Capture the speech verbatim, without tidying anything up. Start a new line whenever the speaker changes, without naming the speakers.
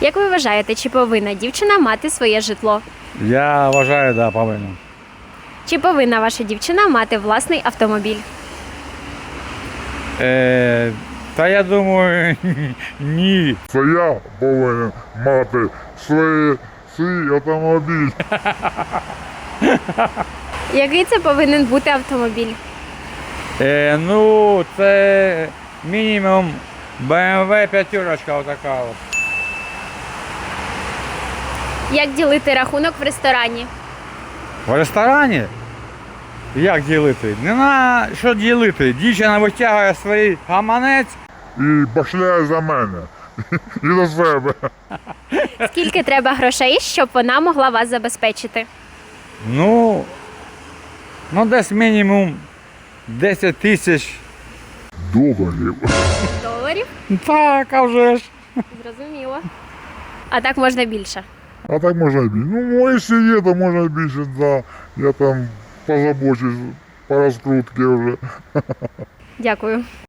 Як ви вважаєте, чи повинна дівчина мати своє житло?
Я вважаю, да, повинен.
Чи повинна ваша дівчина мати власний автомобіль?
Е, та я думаю, ні.
Це я повинен мати свій, свій автомобіль.
Який це повинен бути автомобіль?
Е, ну, це мінімум Б М В п'ятерочка отака от.
Як ділити рахунок в ресторані?
В ресторані? Як ділити? Не на що ділити. Дівчина витягує свій гаманець.
І башляє за мене. І за себе.
Скільки треба грошей, щоб вона могла вас забезпечити?
Ну, ну десь мінімум десять тисяч.
Доларів.
Доларів?
Так, а вже ж.
Зрозуміло. А так можна більше.
А так можна і більше. Ну, якщо є, то можна і більше, да. Я там позабочусь по розкрутці вже.
Дякую.